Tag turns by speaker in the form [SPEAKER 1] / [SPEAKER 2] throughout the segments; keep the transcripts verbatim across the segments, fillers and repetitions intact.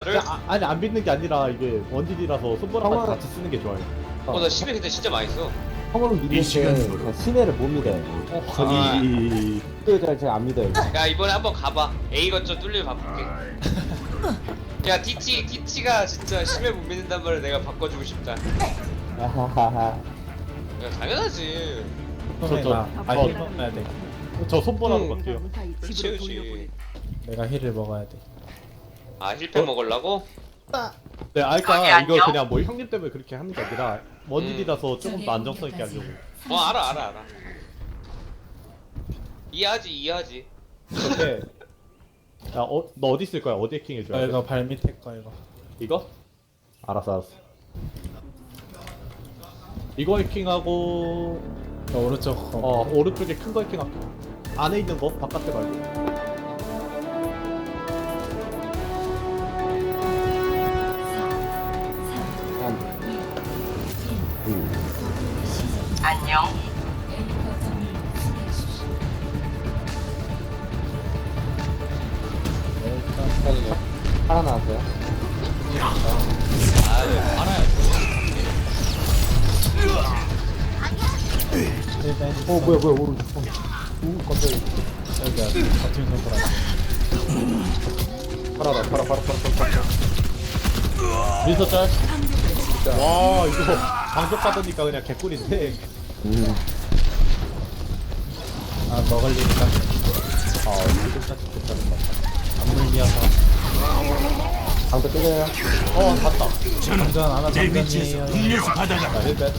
[SPEAKER 1] 를?
[SPEAKER 2] 아, 아니 안 믿는 게 아니라 이게 원딜이라서 손보라까지
[SPEAKER 3] 형아.
[SPEAKER 2] 같이 쓰는 게 좋아요.
[SPEAKER 1] 어, 나 십에 근데 진짜 많이 써.
[SPEAKER 3] 형을 믿는 게 시내를 못 믿어요.
[SPEAKER 1] 아.
[SPEAKER 2] 저기
[SPEAKER 3] 또 제가 안 믿어요.
[SPEAKER 1] 야, 이번에 한번 가봐. A 거점 뚫리면 바꿀게. 야, 디티, 디티가 진짜 십에 못 믿는단 말을 내가 바꿔주고 싶다.
[SPEAKER 3] 아하하하.
[SPEAKER 1] 야, 당연하지.
[SPEAKER 2] 저, 저,
[SPEAKER 4] 아,
[SPEAKER 2] 저,
[SPEAKER 4] 힐 먹어야 돼.
[SPEAKER 2] 저 손보라로
[SPEAKER 1] 응.
[SPEAKER 2] 갈게요.
[SPEAKER 1] 그렇지, 그렇지.
[SPEAKER 4] 내가 힐을 먹어야 돼.
[SPEAKER 1] 아, 힐팩 먹으려고?
[SPEAKER 2] 네, 아 그러니까 이거 그냥 뭐 형님 때문에 그렇게 하는 게 아니라 원딜이라서 조금 더 안정성 있게 하려고.
[SPEAKER 1] 어, 알아, 알아, 알아. 이해하지, 이해하지.
[SPEAKER 2] 근데 야, 어, 너 어디 있을 거야? 어디 해킹
[SPEAKER 4] 어,
[SPEAKER 2] 해줘야 돼?
[SPEAKER 4] 이거 발 밑에 거 이거.
[SPEAKER 2] 이거? 알았어, 알았어. 이거 해킹하고
[SPEAKER 4] 저 오른쪽 거.
[SPEAKER 2] 어 오른쪽에 큰 거 해킹할게. 안에 있는 거 바깥에 말고.
[SPEAKER 5] 안녕.
[SPEAKER 3] 하나 나왔어요.
[SPEAKER 1] 아, 왜 알아야
[SPEAKER 4] 힐벤.
[SPEAKER 3] 어 뭐야 뭐야 오른쪽. 어. 오 깜짝이야.
[SPEAKER 4] 여기야. 버튼 손가락.
[SPEAKER 2] 팔아라, 팔아, 팔아, 팔아, 팔아, 팔아. 민서 짤. 와 이거 방송 받으니까 그냥 개꿀인데.
[SPEAKER 3] 음.
[SPEAKER 4] 아 먹을 일이다.
[SPEAKER 2] 아 지금까지 괜찮은 것 같아.
[SPEAKER 4] 안 물려서.
[SPEAKER 3] 방도 뜨려요.
[SPEAKER 2] 어 갔다.
[SPEAKER 4] 장전 하나 장전이에요.
[SPEAKER 2] 자 힐백.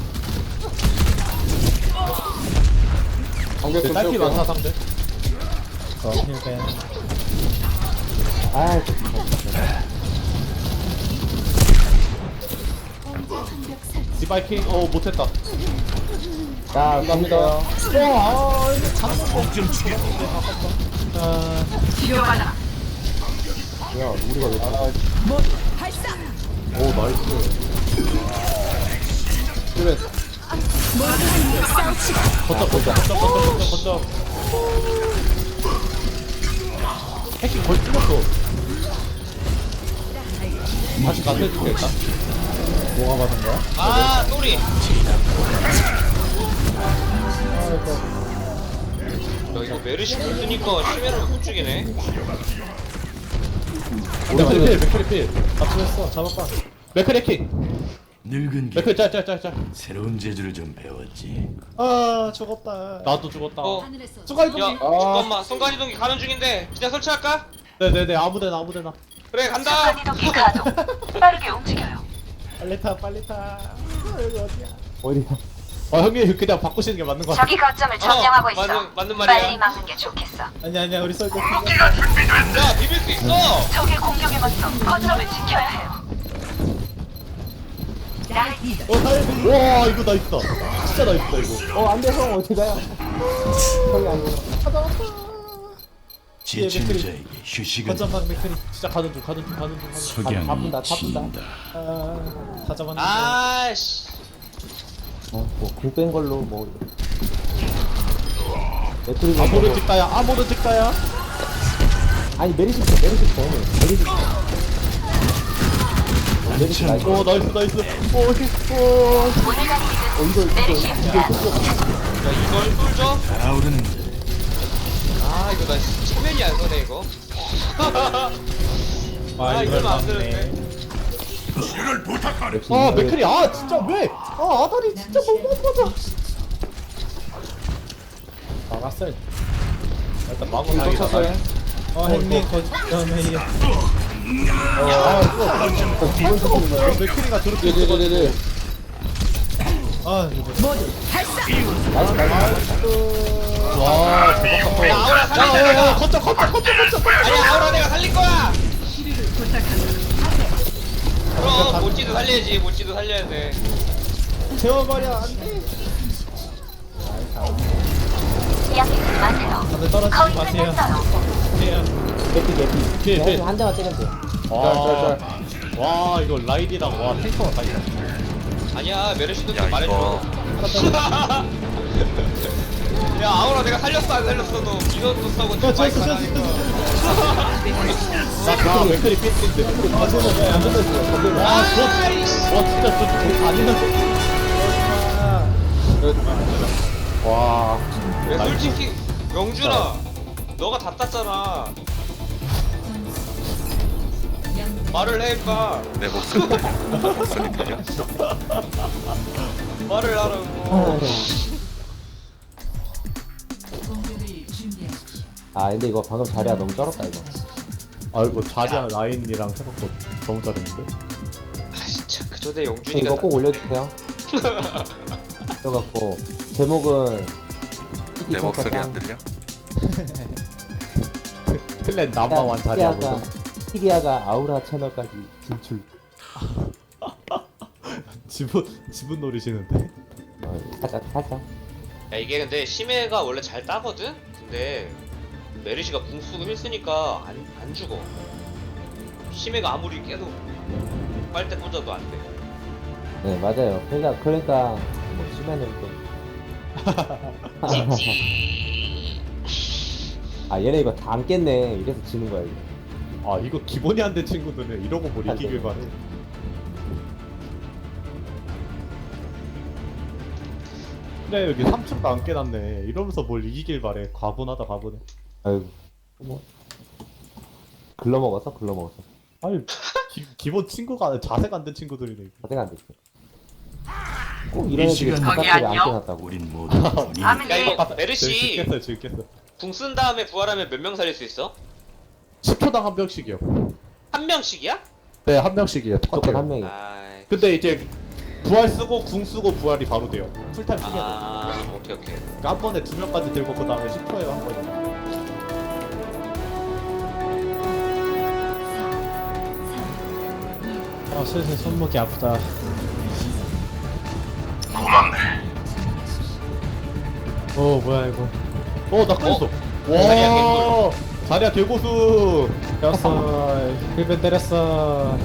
[SPEAKER 3] 방벽
[SPEAKER 2] 네,
[SPEAKER 3] 좀
[SPEAKER 2] 딸피
[SPEAKER 3] 띄울게요.
[SPEAKER 2] 많다 상대.
[SPEAKER 4] 어 힐벤.
[SPEAKER 3] 아
[SPEAKER 2] 디바이킹 어 못했다.
[SPEAKER 3] 자 쏩니다.
[SPEAKER 4] 아
[SPEAKER 5] 치료받아.
[SPEAKER 3] 뭐야 우리가 왜? 아,
[SPEAKER 2] 오 나이스.
[SPEAKER 3] 그래.
[SPEAKER 2] 거점 거점 거점 거점 거점 거점. 해킹 거의 찍었어. 다시 가세해줄게 일단.
[SPEAKER 4] 뭐가 받은 거야?
[SPEAKER 1] 아, 쏘리. 너 이거 메르시 못 쓰니까 심해를 못 죽이네.
[SPEAKER 2] 맥크리 필 맥크리 필.
[SPEAKER 4] 맞추했어. 잡아봐.
[SPEAKER 2] 맥크리 해킹.
[SPEAKER 6] 늙은 게
[SPEAKER 2] 맥크리 짤짤짤짤.
[SPEAKER 6] 새로운 재주를 좀 배웠지.
[SPEAKER 4] 아 죽었다.
[SPEAKER 2] 나도 죽었다.
[SPEAKER 1] 어.
[SPEAKER 4] 수가
[SPEAKER 1] 야,
[SPEAKER 4] 이동기.
[SPEAKER 1] 잠깐만. 순간이동기 가는 중인데 그냥 설치할까?
[SPEAKER 2] 네네네 아무데나 아무데나.
[SPEAKER 1] 그래, 간다.
[SPEAKER 5] 순간이동기 가동. 빠르게 움직여요.
[SPEAKER 4] 빨리 타 빨리 타. 아, 여기 어디야?
[SPEAKER 3] 어디야?
[SPEAKER 2] 아 형님 그냥 바꾸시는 게 맞는 거 같아.
[SPEAKER 5] 저기 거점을 점령하고 있어.
[SPEAKER 1] 맞는- 맞는 말이야.
[SPEAKER 5] 빨리 막는 게 좋겠어.
[SPEAKER 4] 아니 아니야 우리 쏠 때.
[SPEAKER 1] 야, 비빌 수 있어.
[SPEAKER 5] 적의 공격에 맞서 거점을 지켜야 해요.
[SPEAKER 2] 어 살려. 와 이거 나이스다. 진짜 나이스다 이거.
[SPEAKER 3] 어 안돼 형 어디 가요? 형이 아니고.
[SPEAKER 6] 지친 자에게 휴식은
[SPEAKER 4] 거점 방 맥크리.
[SPEAKER 2] 진짜 가는 중 가는 중 가는 중 가는 중.
[SPEAKER 6] 석양이
[SPEAKER 3] 타분다, 타분다.
[SPEAKER 6] 친다.
[SPEAKER 4] 아다 잡았는데.
[SPEAKER 1] 아씨.
[SPEAKER 3] 어뭐공뺀 걸로 뭐. 매트리
[SPEAKER 2] 아모르 찍다야 아모르 찍다야.
[SPEAKER 3] 아니 메리시 메리시 더 메리시. 메리시 나이스.
[SPEAKER 2] 오 나이스 나이스. 오 오케이. 오.
[SPEAKER 5] 오늘 가는
[SPEAKER 3] 어 이거 이거
[SPEAKER 5] 메리시.
[SPEAKER 3] 이거
[SPEAKER 1] 야, 이걸 뚫죠?
[SPEAKER 6] 달아오르는
[SPEAKER 1] 아, 이거 나 씨, 체면이 안 서네 이거.
[SPEAKER 4] 아
[SPEAKER 1] 아,
[SPEAKER 4] 이걸
[SPEAKER 1] 이러면 안
[SPEAKER 4] 막네.
[SPEAKER 1] 되는데.
[SPEAKER 2] 아 맥크리 아 진짜 왜? 아 아다리 진짜 너무 아파져.
[SPEAKER 4] 막았어.
[SPEAKER 2] 일단 마구
[SPEAKER 3] 또
[SPEAKER 2] 다행이다.
[SPEAKER 3] 쳤어요.
[SPEAKER 4] 어 햇님 거점에 이어.
[SPEAKER 2] 아 이거
[SPEAKER 3] 기본 시키는 거예요.
[SPEAKER 2] 맥크리가 저렇게
[SPEAKER 3] 네네네네.
[SPEAKER 4] 아 이거.
[SPEAKER 3] 나이스 나이스.
[SPEAKER 2] 와 대박.
[SPEAKER 1] 야, 아우라 살릴
[SPEAKER 2] 야야야
[SPEAKER 1] 거야.
[SPEAKER 2] 거점 거점 거점 거점.
[SPEAKER 1] 아니야, 아우라 내가 살릴 거야. 그럼 모찌도 살려야지. 모찌도 살려야 돼.
[SPEAKER 4] 재워버려 안돼.
[SPEAKER 5] 양해하지 마세요.
[SPEAKER 4] 다들 떨어지지
[SPEAKER 5] 거의
[SPEAKER 4] 마세요.
[SPEAKER 5] 끝났어요.
[SPEAKER 4] 해요.
[SPEAKER 3] 개피 개피.
[SPEAKER 2] 필, 필.
[SPEAKER 3] 한 대만 때리면 돼.
[SPEAKER 2] 와, 와 이거 라이디랑 와 탱커가 다 있어.
[SPEAKER 1] 아니야, 메르시도 좀 말해줘. 야 아우라 내가 살렸어 안 살렸어 너 민원도 써고
[SPEAKER 4] 야 쳤어 쳤어
[SPEAKER 1] 하니까.
[SPEAKER 2] 나 맥클이 삐인데
[SPEAKER 3] 아 저는 왜안 끝났어요 건들면
[SPEAKER 2] 와 진짜 저쪽 아니나 와
[SPEAKER 1] 야 솔직히 영준아 너가 다 땄잖아 말을 해 임마
[SPEAKER 7] 내 목소리 목소리 들려?
[SPEAKER 1] 말을 하라고
[SPEAKER 3] 아 근데 이거 방금 자리야 너무 쩔었다 이거
[SPEAKER 2] 아이고 자자 라인이랑 생각도 너무 잘했는데
[SPEAKER 1] 아 진짜 그 전에
[SPEAKER 3] 이거
[SPEAKER 1] 영준이가
[SPEAKER 3] 꼭 올려주세요 그래갖고 제목은
[SPEAKER 7] 내 목소리 안 들려?
[SPEAKER 2] 클랜 남아완 자리하고
[SPEAKER 3] 티리아가 티리아가 아우라 채널까지 진출
[SPEAKER 2] 지분 지분 노리시는데
[SPEAKER 3] 어, 살짝 살짝
[SPEAKER 1] 야 이게 근데 심해가 원래 잘 따거든? 근데 메르시가 궁 쓰고 힐 쓰니까 안, 안 죽어 심해가 아무리 깨도 빨대 꽂아도 안돼
[SPEAKER 3] 네 맞아요 그러니까 그러니까 뭐 심해는 좀 아 얘네 이거 다 안 깼네 이래서 지는 거야 이거
[SPEAKER 2] 아 이거 기본이 안 된 친구들은 이러고 뭘 이기길 바래 그래 여기 삼 층도 안 깨놨네 이러면서 뭘 이기길 바래 과분하다 과분해
[SPEAKER 3] 아유 뭐 글러먹었어 글러먹었어
[SPEAKER 2] 아니 기, 기본 친구가 자세가 안 된 친구들이네 이거.
[SPEAKER 3] 자세가 안 됐어 꼭 이런
[SPEAKER 6] 이
[SPEAKER 3] 애들이
[SPEAKER 6] 시간
[SPEAKER 3] 바깥을 안 깨놨다고
[SPEAKER 6] 우린 모두 본인이
[SPEAKER 1] 야 이거
[SPEAKER 2] 지금
[SPEAKER 1] 메르시
[SPEAKER 2] 깼어요 지금 깼어
[SPEAKER 1] 궁 쓴 다음에 부활하면 몇 명 살릴 수 있어?
[SPEAKER 2] 십 초당 한 명씩이요
[SPEAKER 1] 한 명씩이야?
[SPEAKER 2] 네 한 명씩이에요
[SPEAKER 3] 무조건 한
[SPEAKER 2] 똑같아요
[SPEAKER 3] 명이야
[SPEAKER 1] 아이
[SPEAKER 2] 근데 이제 부활 쓰고 궁 쓰고 부활이 바로 돼요 풀타임 쓰게 돼요
[SPEAKER 1] 아 오케이 오케이
[SPEAKER 2] 그러니까 한 번에 두 명까지 들고 그 다음에 십 초에 한 번에
[SPEAKER 4] 아 슬슬 손목이 아프다 오 뭐야 이거
[SPEAKER 2] 어나 끊었어
[SPEAKER 1] 자리야,
[SPEAKER 2] 와 자리야 개고수
[SPEAKER 4] 때렸어 힐벤 때렸어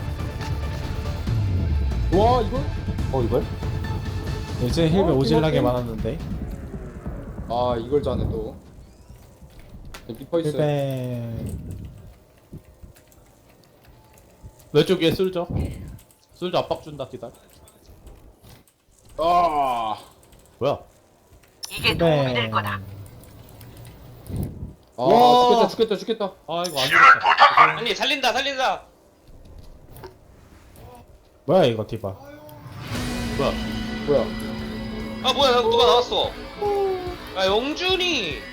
[SPEAKER 3] 와 이걸? 어 이걸?
[SPEAKER 4] 이제 힐벤
[SPEAKER 3] 어,
[SPEAKER 4] 오질나게
[SPEAKER 3] 이거
[SPEAKER 4] 많았는데
[SPEAKER 8] 아 이걸 자네 또 리퍼 있어요.
[SPEAKER 4] 힐벤
[SPEAKER 2] 왼쪽에 쓸죠 쓸죠 압박 준다 기다려
[SPEAKER 8] 아,
[SPEAKER 2] 뭐야
[SPEAKER 5] 이게 도움이 될 거다.
[SPEAKER 8] 아
[SPEAKER 2] 와.
[SPEAKER 8] 죽겠다 죽겠다 죽겠다.
[SPEAKER 2] 아 이거 안 되겠다
[SPEAKER 1] 아니 살린다 살린다
[SPEAKER 4] 뭐야 이거 디바
[SPEAKER 2] 뭐야
[SPEAKER 8] 뭐야?
[SPEAKER 1] 아 뭐야 나- 누가 나왔어 야 영준이